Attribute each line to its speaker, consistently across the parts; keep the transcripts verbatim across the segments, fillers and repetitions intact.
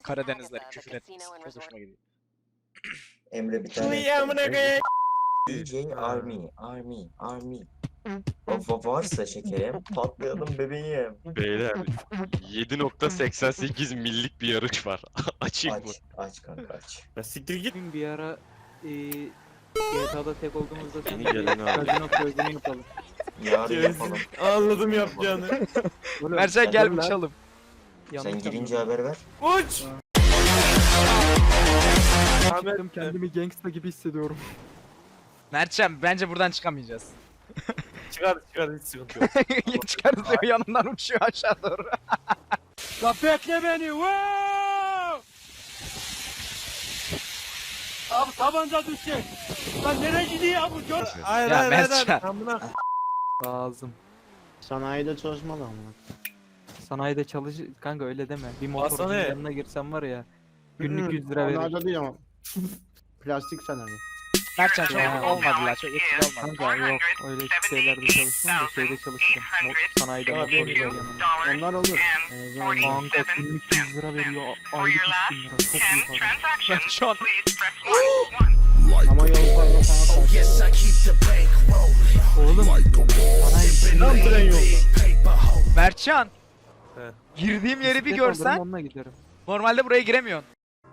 Speaker 1: Karadenizler küfür etmesi. Çok hoşuma gidiyor.
Speaker 2: Emre bir tane.
Speaker 3: Uy amına koyayım.
Speaker 2: D J Army, Army, Army. Baba varsa şekerim, patlayalım bebeğim.
Speaker 3: Beyler yedi nokta seksen sekiz millik bir yarış var. Açayım mı?
Speaker 2: Aç, aç kanka aç.
Speaker 3: Ya siktir git.
Speaker 4: Bir ara e, G T A'da tek olduğumuzda
Speaker 3: Yeni
Speaker 4: sen
Speaker 3: gelen abi.
Speaker 4: Kazino projesini yapalım.
Speaker 2: Yarın yapalım.
Speaker 3: Anladım yapacağını.
Speaker 4: Oğlum,
Speaker 1: Mercan gel
Speaker 4: dur lan.
Speaker 1: uçalım.
Speaker 4: Yanlış
Speaker 2: Sen girince
Speaker 4: anladım.
Speaker 2: haber ver.
Speaker 3: Uç!
Speaker 4: Çıktım, kendimi gangsta gibi hissediyorum.
Speaker 1: Mertcan bence buradan çıkamayacağız.
Speaker 3: Çıkar çıkar hiç sıkıntı yok.
Speaker 1: Çıkarız diyor yanından uçuyor aşağı doğru.
Speaker 4: La bekle beni. Wow! Abi tabanca düşecek. Lan nereye gidiyor bu? Gör.
Speaker 3: Hayır
Speaker 1: Ya
Speaker 3: hayır hayır.
Speaker 1: Mertcan.
Speaker 3: Amına.
Speaker 4: Lazım.
Speaker 5: Sanayide çalışmalı ama.
Speaker 4: Sanayide çalış kanka öyle deme. Bir motorcunun
Speaker 3: Hasan, he.
Speaker 4: yanına girsem var ya. Günlük yüz lira verir.
Speaker 5: Sanayide değil ama. Plastik sanayi.
Speaker 1: Mertcan çok
Speaker 4: Ya.
Speaker 1: olmadı la çok etkili olmadı.
Speaker 4: Kanka yok öyle şeylerde çalışmam da şeyde çalıştım. Mo- sanayide
Speaker 3: Abi,
Speaker 4: motorcular yanında.
Speaker 5: Onlar olur. Ee, zaman-
Speaker 4: Kanka günlük yüz lira veriyor. Aylık üç bin lira. Çok iyi para.
Speaker 1: Mertcan.
Speaker 5: Ama yol parma sana karşı.
Speaker 4: Oğlum sanayi
Speaker 3: Tam tren yolda.
Speaker 1: Mertcan.
Speaker 3: He.
Speaker 1: Girdiğim yeri bir
Speaker 4: bisiklet alırım,
Speaker 1: görsen
Speaker 4: onunla giderim.
Speaker 1: normalde buraya giremiyorsun.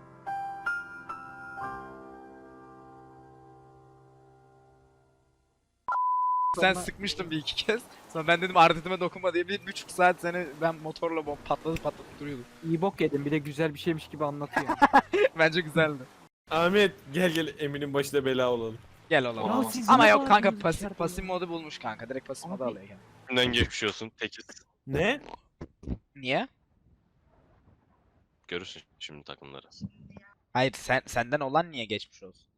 Speaker 1: Sen
Speaker 4: Sonra-
Speaker 1: sıkmıştın bir iki kez. Sonra ben dedim ardetime dokunma diye bir buçuk saat seni ben motorla bom patladı patlatıp duruyordum.
Speaker 4: İyi bok yedim bir de güzel bir şeymiş gibi anlatıyor.
Speaker 1: Bence güzeldi.
Speaker 3: Ahmet gel gel Emin'in başına bela olalım.
Speaker 1: Gel oğlum.
Speaker 2: Aa,
Speaker 4: siz
Speaker 1: Ama
Speaker 4: ne
Speaker 1: yok kanka
Speaker 4: bağırdınız
Speaker 1: pasif
Speaker 4: içeride?
Speaker 1: pasif modu bulmuş kanka. Direkt pasif modu
Speaker 4: Abi.
Speaker 1: alıyor yani.
Speaker 6: Önden geçmiş olsun tekiz.
Speaker 3: Ne?
Speaker 1: Niye?
Speaker 6: Görürsün şimdi takımları.
Speaker 1: Hayır sen senden olan niye geçmiş olsun?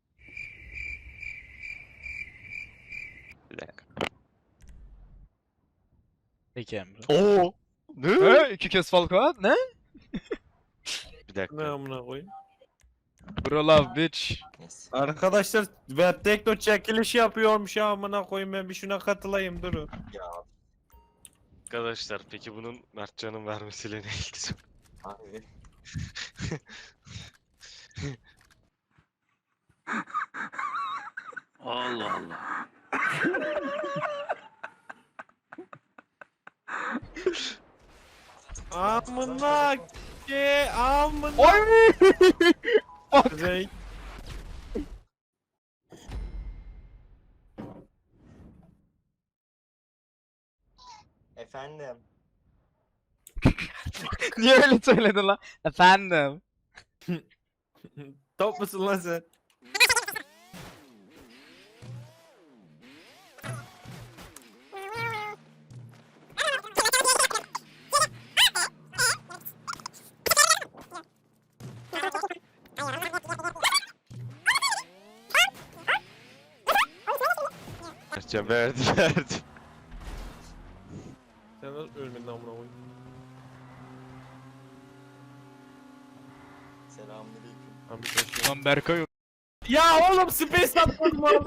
Speaker 6: Bir dakika.
Speaker 1: Peki Emre.
Speaker 6: Oo! Ne?
Speaker 1: He, iki kez Falcao ne?
Speaker 6: Bir dakika.
Speaker 3: Ne amına koyayım?
Speaker 1: Bro love bitch.
Speaker 2: Neyse.
Speaker 3: Arkadaşlar ben tekno çekilişi yapıyormuş ya amına koyayım ben bir şuna katılayım durun.
Speaker 2: Ya
Speaker 6: Arkadaşlar peki bunun Mertcan'ın vermesiyle ne ilgisi var?
Speaker 2: abi.
Speaker 6: Allah Allah.
Speaker 3: Amına ki amına.
Speaker 1: Oy!
Speaker 3: Kuzey.
Speaker 2: Efendim.
Speaker 1: Niye öyle söyledin lan? Efendim.
Speaker 3: Top musun lan sen?
Speaker 6: Mertcan verdi verdi.
Speaker 3: Sen nasıl ölmedin amına koyayım?
Speaker 2: Selamünaleyküm.
Speaker 3: Ahmet hoş
Speaker 1: Lan Berkay
Speaker 3: Ya oğlum space atmadım lan.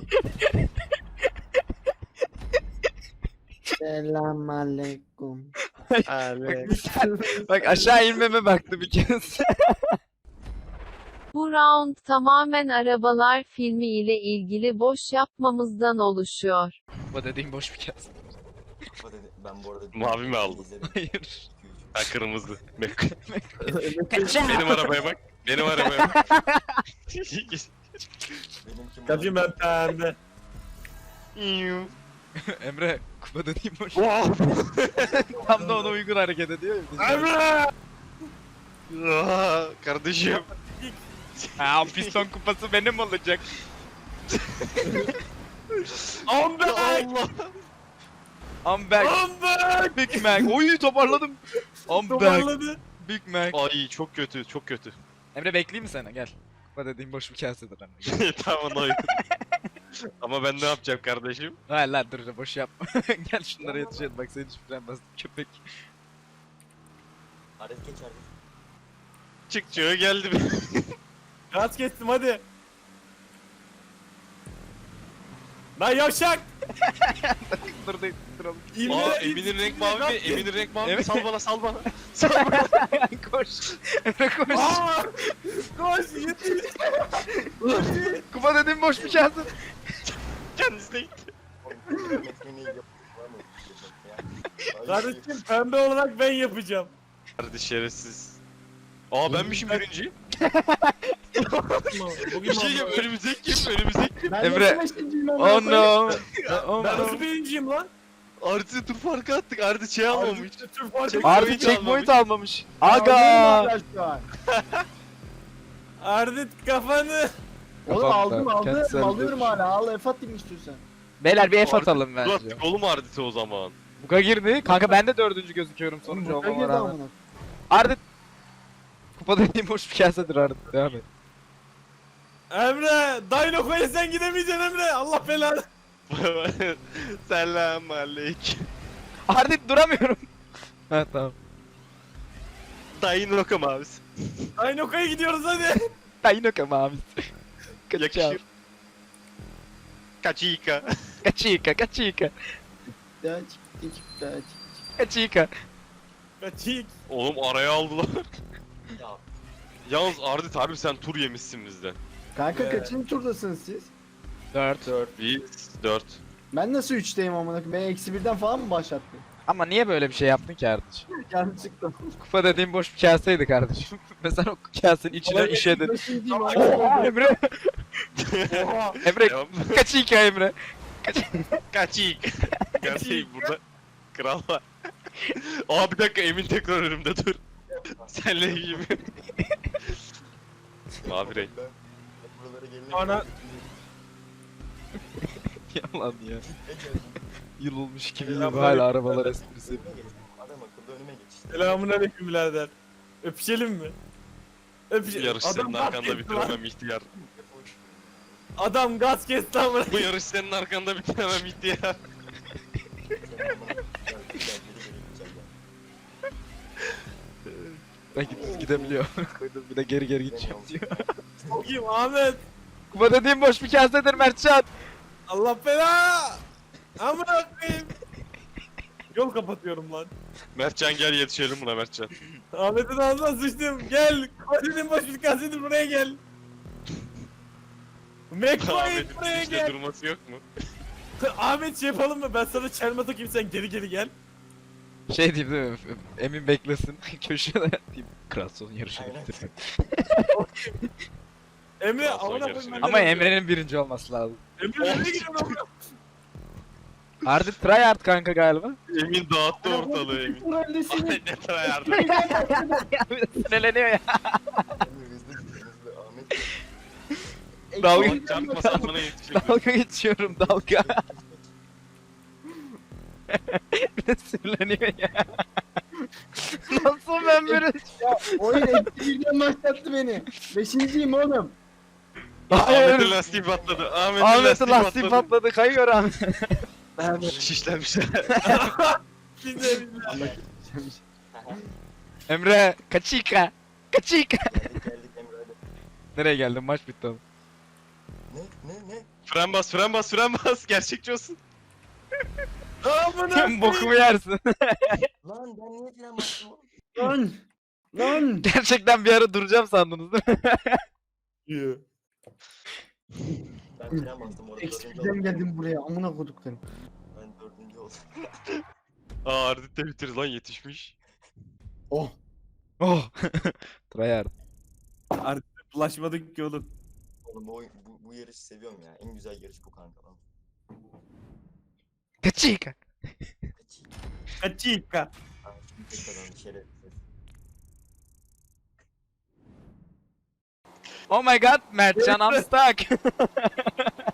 Speaker 5: Selamünaleyküm.
Speaker 3: Alex.
Speaker 1: Bak aşağı inmeme baktı bir kez.
Speaker 7: Bu round tamamen arabalar filmi ile ilgili boş yapmamızdan oluşuyor.
Speaker 1: Bu dediğim boş bir kez.
Speaker 2: Kafa dedi- Ben bu arada...
Speaker 6: Mavi mi aldın?
Speaker 2: izledim.
Speaker 1: Hayır.
Speaker 6: Ha kırmızı. Benim
Speaker 1: Kaçın.
Speaker 6: arabaya bak. Benim arabaya bak.
Speaker 2: Benimki
Speaker 3: Kapıyım
Speaker 2: mavi.
Speaker 3: ben pembe.
Speaker 1: Emre kupa dediğim boş.
Speaker 6: Wow!
Speaker 1: Tam da ona uygun hareket ediyor ya. biz de-
Speaker 3: Emre!
Speaker 6: Aa, kardeşim.
Speaker 1: Ha piston kupası benim olacak.
Speaker 3: I'm back!
Speaker 6: Allah.
Speaker 1: I'm back.
Speaker 3: I'm back!
Speaker 1: Big Mac. Oy toparladım. I'm back.
Speaker 3: Toparladı.
Speaker 1: Big Mac.
Speaker 6: Ay çok kötü, çok kötü.
Speaker 1: Emre bekleyeyim mi seni? Gel. Kupa dediğim boş bir kasedir Emre.
Speaker 6: Tamam oyun. Ama ben ne yapacağım kardeşim?
Speaker 1: Hayır lan dur boş yapma. Gel şunlara yetişelim bak seni hiçbir bastım köpek.
Speaker 2: Arif geç Arif.
Speaker 6: Çık geldi mi?
Speaker 3: Gaz kestim hadi. Lan yavşak!
Speaker 1: Dur dur duralım.
Speaker 6: Aa Emin'in renk mavi mi? Emin'in renk mavi mi?
Speaker 1: Evet.
Speaker 6: Sal bana sal bana. Sal bana.
Speaker 1: Koş. Emre koş.
Speaker 3: Aa! Koş yetiş.
Speaker 1: Kupa dediğim boş bir şansın.
Speaker 6: Kendisi de gitti.
Speaker 3: Kardeşim pembe olarak ben yapacağım.
Speaker 6: Hadi şerefsiz. Aa benmişim birinci. Bir şey diyeyim önümüzdeki kim? Önümüzdeki kim?
Speaker 5: Ben
Speaker 1: Emre.
Speaker 5: nasıl beşinciyim amına
Speaker 1: Oh
Speaker 5: koyayım?
Speaker 1: no. Oh
Speaker 3: Ben
Speaker 1: no.
Speaker 3: nasıl birinciyim lan?
Speaker 6: Artı tur farkı attık. Ardı şey almamış.
Speaker 3: Türk farkı.
Speaker 6: Çek-
Speaker 1: Ardı
Speaker 6: Checkpoint
Speaker 1: checkpoint
Speaker 6: almamış.
Speaker 1: almamış.
Speaker 5: Alıyorum
Speaker 1: Aga.
Speaker 5: hala şu an.
Speaker 3: Ardit kafanı.
Speaker 5: Oğlum
Speaker 1: Kafamda,
Speaker 5: aldım
Speaker 1: kendisi
Speaker 5: aldım.
Speaker 1: öldü.
Speaker 5: Alıyorum hala. Al F atayım istiyorsan.
Speaker 1: Beyler bir F
Speaker 6: Ardı-
Speaker 1: atalım
Speaker 6: Dur
Speaker 1: bence.
Speaker 6: attık oğlum Ardit'e o zaman.
Speaker 1: Buka girdi. Kanka ben de dördüncü gözüküyorum sonucu
Speaker 5: Oğlum,
Speaker 1: olmama
Speaker 5: girdi
Speaker 1: rağmen.
Speaker 5: amına.
Speaker 1: Ardit. Kupa dediğim boş bir kasedir Ardit. Devam et.
Speaker 3: Emre, Dinoco'ya sen gidemeyeceksin Emre. Allah belanı.
Speaker 6: Selam aleyküm.
Speaker 1: Ardit duramıyorum. Ha tamam.
Speaker 6: Dayın Roka mavisi.
Speaker 3: Dinoco'ya gidiyoruz hadi.
Speaker 1: Daynoka mavisi. Kaçıyor.
Speaker 6: Yakışır. Kaçika.
Speaker 1: Kaçika kaçika.
Speaker 5: Çıktı çıktı çıktı çıktı.
Speaker 1: Kaçika.
Speaker 3: Kaçık.
Speaker 6: Oğlum araya aldılar.
Speaker 2: Ya.
Speaker 6: Yalnız Ardit harbi sen tur yemişsin bizden.
Speaker 5: Kanka
Speaker 3: Ee.
Speaker 5: kaçıncı turdasınız siz?
Speaker 1: Dört.
Speaker 6: Biz dört.
Speaker 5: Ben nasıl üçteyim amına koyayım? Ben eksi birden falan mı başlattın?
Speaker 1: Ama niye böyle bir şey yaptın ki kardeşim?
Speaker 5: Canım çıktı.
Speaker 1: Kupa dediğim boş bir kaseydi kardeşim. Mesela o kasenin içine işedin.
Speaker 5: Beşinciyim
Speaker 1: Oha
Speaker 5: amına
Speaker 1: Emre.
Speaker 3: Oha.
Speaker 1: Emre
Speaker 6: Devam.
Speaker 1: kaçika Emre.
Speaker 6: Kaçik. Gerçeği burada. Kral var. Aa bir dakika Emin tekrar önümde dur. Senle gibi. Mavi renk.
Speaker 2: Buralara gelince-
Speaker 3: Ana-
Speaker 1: Yalan ya. Yıl olmuş iki bin yıl
Speaker 3: Selamünaleyküm.
Speaker 1: hala arabalar esprisi.
Speaker 2: Adam akıllı önüme geçti.
Speaker 3: Selamun aleyküm birader. Öpüşelim mi? Öpüşelim.
Speaker 6: Yarış senin
Speaker 3: gaz
Speaker 6: arkanda
Speaker 3: kesti lan.
Speaker 6: bitiremem ihtiyar.
Speaker 3: Adam gaz kesti amına.
Speaker 6: Bu yarış senin arkanda bitiremem ihtiyar.
Speaker 1: Ben gidip gidebiliyor. Koydum bir de geri geri gideceğim diyor.
Speaker 3: Kim Ahmet?
Speaker 1: Kupa dediğim boş bir kasedir Mertcan.
Speaker 3: Allah belanı. Amına koyayım. Yol kapatıyorum lan.
Speaker 6: Mertcan gel yetişelim buna Mertcan.
Speaker 3: Ahmet'in ağzına sıçtım. Gel. Kasetin baş bir kasetin buraya gel. McQuaid
Speaker 6: Ahmet'in
Speaker 3: buraya
Speaker 6: işte
Speaker 3: gel.
Speaker 6: durması yok mu?
Speaker 3: Ahmet şey yapalım mı? Ben sana çelme takayım sen geri geri gel.
Speaker 1: Şey diyeyim değil mi? Emin beklesin. Köşede diyeyim. Kral son yarışını
Speaker 2: Aynen.
Speaker 1: bitirdim.
Speaker 3: Emre
Speaker 6: Daha sonra
Speaker 3: amına
Speaker 6: yarışını
Speaker 3: koyayım.
Speaker 1: Ama Emre'nin birinci olması lazım.
Speaker 3: Emre nereye gidiyorsun?
Speaker 1: Ardit tryhard kanka galiba.
Speaker 6: Emin dağıttı ortalığı Emin. Ay
Speaker 5: Öndesin.
Speaker 6: ne tryhard.
Speaker 1: Bir de sinirleniyor ya.
Speaker 2: Hızlı gidiyor, hızlı. Ahmet.
Speaker 1: Dalga,
Speaker 6: Ama çarpmasan bana yetişelim.
Speaker 1: dalga geçiyorum dalga. Bir de sinirleniyor ya. Nasıl ben böyle?
Speaker 5: Oyun eksi birden başlattı beni. Beşinciyim oğlum.
Speaker 6: Ahmet'in
Speaker 1: Hayır.
Speaker 6: lastiği patladı. Ahmet'in
Speaker 1: Ahmet'in
Speaker 6: lastiği
Speaker 1: lastiği
Speaker 6: patladı.
Speaker 1: patladı. Kayıyor Ahmet.
Speaker 6: Şişlenmişler.
Speaker 3: Güzel.
Speaker 1: Emre kaçika. Kaçika.
Speaker 2: Geldik geldik Emre hadi.
Speaker 1: Nereye geldin? Maç bitti oğlum.
Speaker 2: Ne ne ne?
Speaker 6: Fren bas, fren bas, fren bas. Gerçekçi olsun.
Speaker 3: Amına
Speaker 1: Sen bokumu yersin.
Speaker 2: Lan ben niye falan bastım oğlum?
Speaker 5: Lan. Lan.
Speaker 1: Gerçekten bir ara duracağım sandınız değil mi?
Speaker 2: Ben falan bastım orada.
Speaker 5: Eksi
Speaker 2: dördüncü
Speaker 5: birden
Speaker 2: oldum.
Speaker 5: geldim buraya. Amına koduklarım.
Speaker 2: Ben dördüncü oldum.
Speaker 6: Aa Ardit de bitir lan yetişmiş.
Speaker 5: Oh.
Speaker 1: Oh. Tryhard.
Speaker 3: Bulaşmadık ki oğlum.
Speaker 2: Oğlum bu, oyun- bu, bu yarışı seviyorum ya. En güzel yarış bu kanka lan.
Speaker 1: Kaçika.
Speaker 3: Kaçika.
Speaker 2: Ha, şimdi tek kazandı şerefsiz.
Speaker 1: Oh my god Mertcan I'm stuck.